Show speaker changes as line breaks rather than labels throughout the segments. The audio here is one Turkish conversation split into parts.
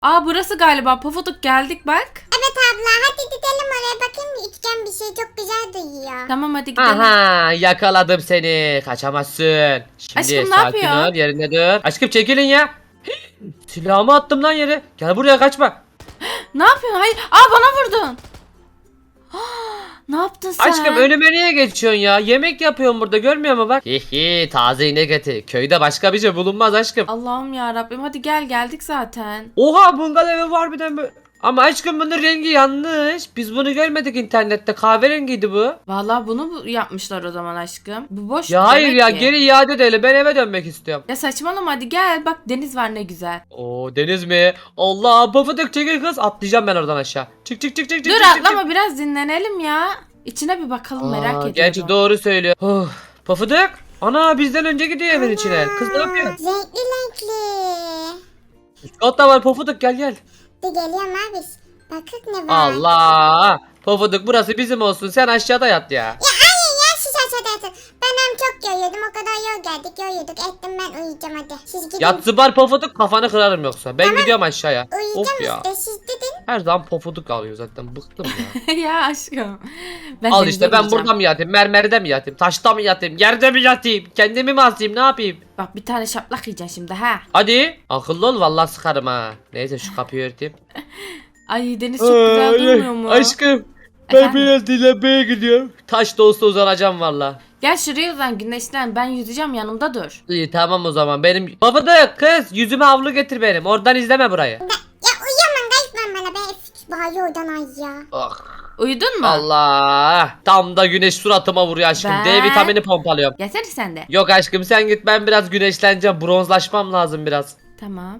Aa burası galiba. Pofuduk geldik bak.
Evet abla hadi gidelim oraya bakayım üçgen bir şey çok güzel duyuyor.
Tamam hadi gidelim.
Aha yakaladım seni. Kaçamazsın. Şimdi
Aşkım, ne
sakin
yapıyorsun?
ol yerine dur. Aşkım çekilin ya. Silahımı attım lan yere. Gel buraya kaçma.
Ne yapıyorsun? Hayır. Aa bana vurdun. Ne yaptın sen?
Aşkım önüme niye geçiyorsun ya? Yemek yapıyorum burada görmüyor musun bak? Hihi taze inek eti. Köyde başka bir şey bulunmaz aşkım.
Allah'ım ya Rabbim. Hadi gel geldik zaten.
Oha bungalov evi var bir de mi? Ama aşkım bunun rengi yanlış. Biz bunu görmedik internette. Kahverengiydi bu.
Vallahi bunu yapmışlar o zaman aşkım. Bu boş.
Ya hayır
demek
ya
ki.
geri iade edelim. Ben eve dönmek istiyorum.
Ya saçmalama hadi gel. Bak deniz var ne güzel.
Oo deniz mi? Allah pofuduk çekil kız. Atlayacağım ben oradan aşağı. Çık çık çık çık
Dur
çık, çık,
atlama biraz dinlenelim ya. İçine bir bakalım merak ediyorum.
Gerçi doğru söylüyor. Pofuduk. Ana bizden önce gidiyor evin içine. Kız ne yapıyor?
Renkli renkli.
Üst katta var Pofuduk gel gel.
De geliyorum abi. Bakık ne var?
Allah. Pofuduk burası bizim olsun. Sen aşağıda yat ya.
Ya hayır ya siz aşağıda yatın. Ben hem çok yoruldum o kadar yol geldik yorulduk ettim ben uyuyacağım hadi. Siz gidin.
Yat zıbar Pofuduk kafanı kırarım yoksa. Ben gidiyorum aşağıya. Of
Uyuyacağım
ya.
işte siz gidin.
Her zaman Pofuduk alıyor zaten. Bıktım ya.
Ya aşkım. Ben
Al
denize
işte ben
gireceğim.
burada mı yatayım? Mermerde mi yatayım? Taşta mı yatayım? Yerde mi yatayım? Kendimi mi asayım? Ne yapayım?
Bak bir tane şaplak yiyeceksin şimdi ha.
Hadi. Akıllı ol vallahi sıkarım ha. Neyse şu kapıyı örteyim.
Ay deniz çok güzel durmuyor mu?
Aşkım.
Efendim?
biraz dinlenmeye gidiyorum. Taş da olsa uzanacağım valla.
Gel şuraya uzan güneşlen. Ben yüzeceğim yanımda dur.
İyi tamam o zaman benim. Pofuduk kız yüzüme havlu getir benim. Oradan izleme burayı.
Ya uyuyamam kaçmam bana ben bağlı oradan ay ya.
Oh.
Uyudun mu?
Allah. Tam da güneş suratıma vuruyor aşkım.
Ben-
D vitamini pompalıyorum.
Gelsene sen de.
Yok aşkım sen git ben biraz güneşleneceğim. Bronzlaşmam lazım biraz.
Tamam.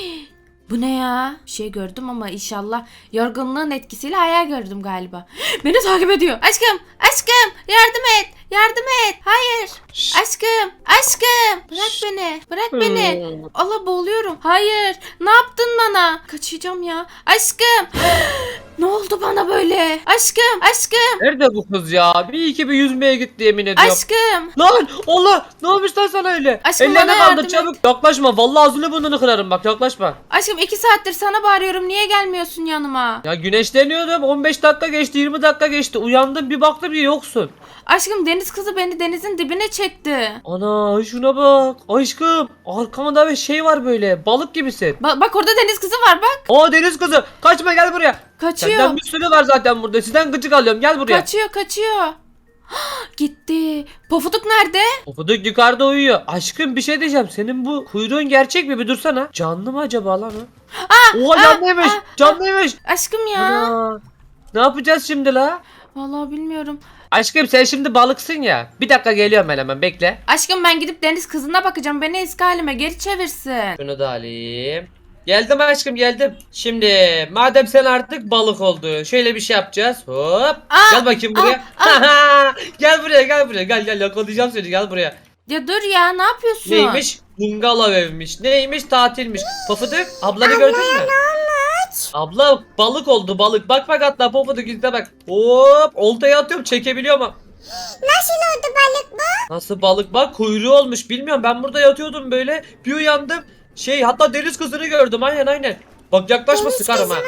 Bu ne ya? Bir şey gördüm ama inşallah yorgunluğun etkisiyle hayal gördüm galiba. Beni takip ediyor. Aşkım, aşkım, yardım et, yardım et. Hayır.
Şşş.
Aşkım, aşkım. Bırak beni, bırak beni. Allah boğuluyorum. Hayır. Ne yaptın bana? Kaçacağım ya. Aşkım. Ne oldu bana böyle? Aşkım, aşkım,
Nerede bu kız ya? Bir iki bir yüzmeye gitti yemin ediyorum.
aşkım.
Lan Allah ne olmuş lan sana öyle?
Aşkım,
Ellerini
bana
kaldır
yardım
çabuk. Yaklaşma vallahi ağzını burnunu kırarım bak yaklaşma.
Aşkım 2 saattir sana bağırıyorum. Niye gelmiyorsun yanıma?
Ya güneşleniyordum 15 dakika geçti 20 dakika geçti uyandım bir baktım ki yoksun.
Aşkım deniz kızı beni denizin dibine çekti.
Ana şuna bak aşkım arkamda bir şey var böyle balık gibisin.
Bak orada deniz kızı var bak.
Aa deniz kızı kaçma gel buraya.
Kaçıyor.
Senden bir sürü var zaten burada sizden gıcık alıyorum gel buraya.
Kaçıyor kaçıyor. Gitti. Pofuduk nerede?
Pofuduk yukarıda uyuyor. Aşkım bir şey diyeceğim senin bu kuyruğun gerçek mi bir dursana. Canlı mı acaba lan o? Oha canlıymış canlıymış.
Aşkım ya.
Ana. Ne yapacağız şimdi la?
Vallahi bilmiyorum.
Aşkım sen şimdi balıksın ya. Bir dakika geliyorum ben hemen bekle.
Aşkım ben gidip deniz kızına bakacağım. Beni eski halime geri çevirsin.
Şunu da alayım. Geldim aşkım geldim. Şimdi madem sen artık balık oldun. Şöyle bir şey yapacağız. Hop. Gel bakayım buraya. Gel buraya gel buraya. Gel yakalayacağım seni gel buraya.
Ya dur ya ne yapıyorsun?
Neymiş? Bungalov evmiş. Neymiş? Tatilmiş. Pofuduk ablanı gördün mü? Abla balık oldu balık. Bak bak hatta Pofuduk izle bak. Hop oltaya atıyorum çekebiliyor mu?
Nasıl oldu balık bu?
Nasıl balık bak kuyruğu olmuş bilmiyorum ben burada yatıyordum böyle bir uyandım hatta deniz kızını gördüm aynen bak yaklaşma
Deniz
sıkarım
kızı
ha.
mı?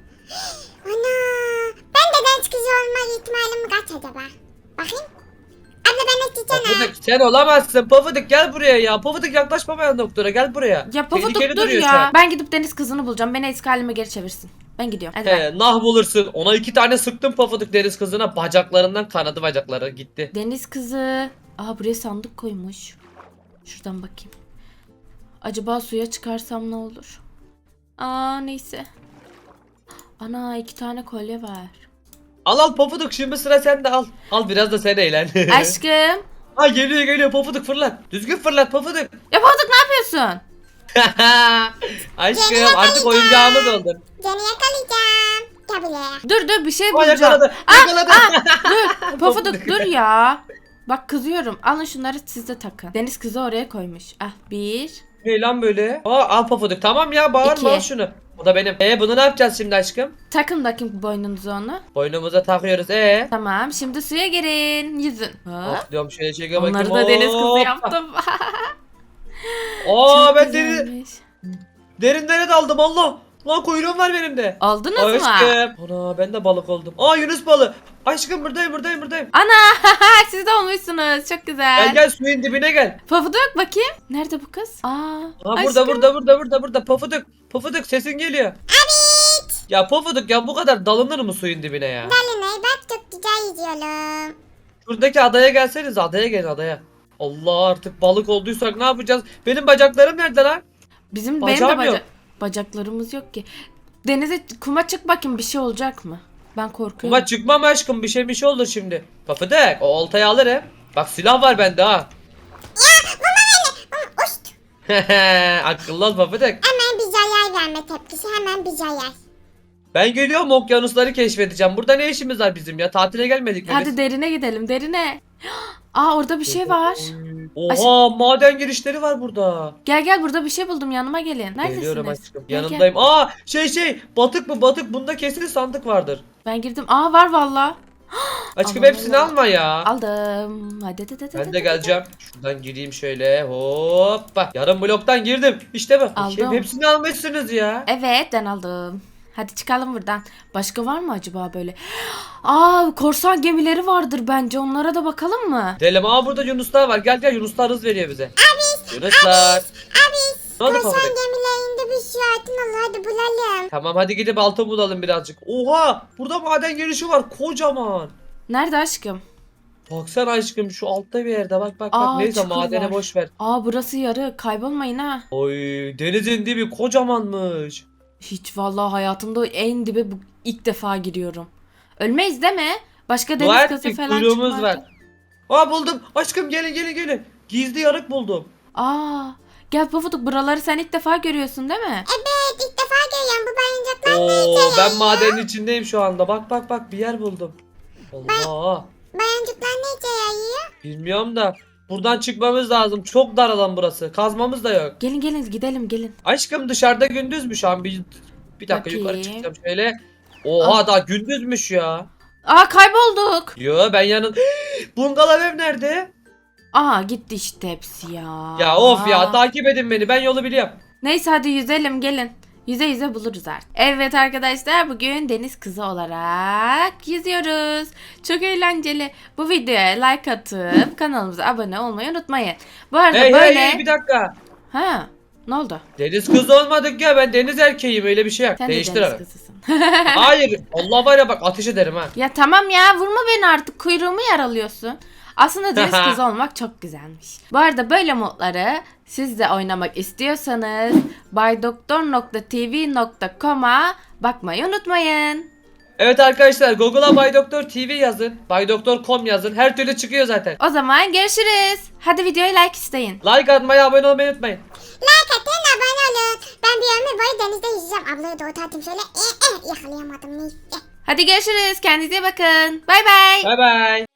Ana. Ben de deniz kızı olma ihtimalim kaç acaba? Bakayım. Abla ben açacağım ha.
Pofuduk sen olamazsın Pofuduk gel buraya ya Pofuduk yaklaşmamayan doktora gel buraya.
Ya Pofuduk
Tehlikeli
dur
duruyor
ya.
şu an.
Ben gidip deniz kızını bulacağım. Beni eski halime geri çevirsin. Ben gidiyorum. Hadi bay.
Nah bulursun ona 2 tane sıktım Pofuduk deniz kızına bacaklarından kanadı bacakları gitti.
Deniz kızı. Aa buraya sandık koymuş. Şuradan bakayım. Acaba suya çıkarsam ne olur? Aa neyse. Ana 2 tane kolye var.
Al Pofuduk şimdi sıra sende al biraz da sen eğlen.
Aşkım.
Ha geliyor Pofuduk fırlat düzgün fırlat Pofuduk.
Ya Pofuduk ne yapıyorsun?
Aşkım artık oyuncağımız oldun.
Seni yakalayacağım. Gel buraya.
Dur bir şey
O
bulacağım.
yakaladı. Yakaladı.
Dur Pofuduk dur ya. Bak kızıyorum. Alın şunları siz de takın. Deniz kızı oraya koymuş. Ah 1.
Ne lan böyle? Al Pofuduk. Tamam ya bağırma
İki.
al şunu. Bu da benim. Bunu ne yapacağız şimdi aşkım?
Takın bakayım boynunuza onu.
Boynumuza takıyoruz.
Tamam şimdi suya girin. Yüzün. Hop.
Atlıyorum şöyle çekiyor bakayım.
Onları da deniz kızı
Hoppa.
yaptım.
Aa
Çok
ben
güzelmiş.
derinlere daldım Allah. Lan kuyruğum var benim de.
Aldınız mı?
Aşkım. Ana ben de balık oldum. Aa Yunus balığı. Aşkım buradayım.
Ana siz de olmuşsunuz. Çok güzel.
Gel gel suyun dibine gel.
Pofuduk bakayım. Nerede bu kız?
Aa
aşkım.
burada. Pofuduk sesin geliyor. Evet. Ya Pofuduk ya bu kadar dalınır mı suyun dibine ya?
Dalinay bak çok güzel yüzüyorum.
Şuradaki adaya gelseniz adaya gelin adaya. Allah artık balık olduysak ne yapacağız? Benim bacaklarım nerede lan?
Benim de
Bacağım yok.
bacaklarımız yok ki. Denize kuma çık bakayım bir şey olacak mı? Ben korkuyorum.
Ama çıkmam aşkım bir şey olur şimdi. Pofuduk o oltayı alırım. Bak silah var bende ha.
Uşt.
Akıllı ol Pofuduk.
Hemen bir zarar verme tepkisi, hemen bir zarar.
Ben geliyorum okyanusları keşfedeceğim. Burada ne işimiz var bizim ya? Tatile gelmedik mi
Hadi
biz?
derine gidelim derine. Aa orada bir şey var.
Oha maden girişleri var burada.
Gel burada bir şey buldum yanıma gelin. Neredesiniz?
Geliyorum aşkım.
Gel,
Yanındayım. Aa batık mı batık bunda kesin sandık vardır.
Ben girdim. Aa var valla.
Aşkım
Allah
hepsini
Allah.
alma ya.
Aldım. Hadi.
Ben de geleceğim. Şuradan gireyim şöyle. Hoppa. Yarım bloktan girdim. İşte bak.
Aldım.
Hepsini almışsınız ya.
Evet ben aldım. Hadi çıkalım buradan. Başka var mı acaba böyle? Aa korsan gemileri vardır bence. Onlara da bakalım mı?
Delim burada Yunuslar var. Gel Yunuslar hız veriyor bize. Yunuslar. Ne oldu
Korsan
Pofuduk?
gemilerinde bir şey altın olur, hadi bulalım.
Tamam hadi gidip altın bulalım birazcık. Oha burada maden girişi var kocaman.
Nerede aşkım?
Baksana aşkım şu altta bir yerde bak.
Aa,
Neyse
çukur
madene
var.
boş ver.
Aa burası yarı. Kaybolmayın ha.
Oy denizin dibi kocamanmış.
Hiç vallahi hayatımda en dibe bu ilk defa giriyorum. Ölmeyiz değil mi? Başka
Var
deniz kızı
ki
falan
kuyruğumuz
çıkmaz.
var. Aa buldum. Aşkım gelin. Gizli yarık buldum.
Aa gel Pofuduk buraları sen ilk defa görüyorsun değil mi?
Evet, ilk defa görüyorum bu bayıncaklar ne
Oo
işe
ben
yarıyor?
madenin içindeyim şu anda. Bak bir yer buldum. Allah.
Bayıncaklar ne işe yarıyor?
Bilmiyorum da buradan çıkmamız lazım. Çok dar alan burası. Kazmamız da yok.
Gelin gidelim gelin.
Aşkım dışarıda gündüz mü şu an? Bir dakika yukarı
Bakayım.
çıkacağım şöyle. Oha daha gündüzmüş ya.
Aa kaybolduk.
Yo ben bungalov ev nerede?
Aa gitti işte hepsi ya.
Ya of ya takip edin beni ben yolu biliyorum.
Neyse hadi yüzelim gelin. Yüze buluruz artık. Evet arkadaşlar bugün deniz kızı olarak yüzüyoruz. Çok eğlenceli. Bu videoya like atıp kanalımıza abone olmayı unutmayın. Bu arada böyle...
Hey bir dakika.
Ha ne oldu?
Deniz kızı olmadık ya ben deniz erkeğiyim öyle bir şey yok.
Sen de
Değiştir
deniz
abi.
kızısın.
Hayır Allah var ya bak ateş ederim ha.
Ya tamam ya vurma beni artık kuyruğumu yaralıyorsun. Aslında deniz kızı olmak çok güzelmiş. Bu arada böyle modları siz de oynamak istiyorsanız baydoktor.tv.com'a bakmayı unutmayın.
Evet arkadaşlar Google'a Bay Doktor TV yazın. Baydoktor.com yazın. Her türlü çıkıyor zaten.
O zaman görüşürüz. Hadi videoya like isteyin.
Like atmayı abone olmayı unutmayın.
Like atın, abone olun. Ben bir ömür boyu denizde yüzeceğim. Ablayı da otartayım şöyle. Yakalayamadım neyse.
Hadi görüşürüz. Kendinize bakın. Bay bay.
Bay bay.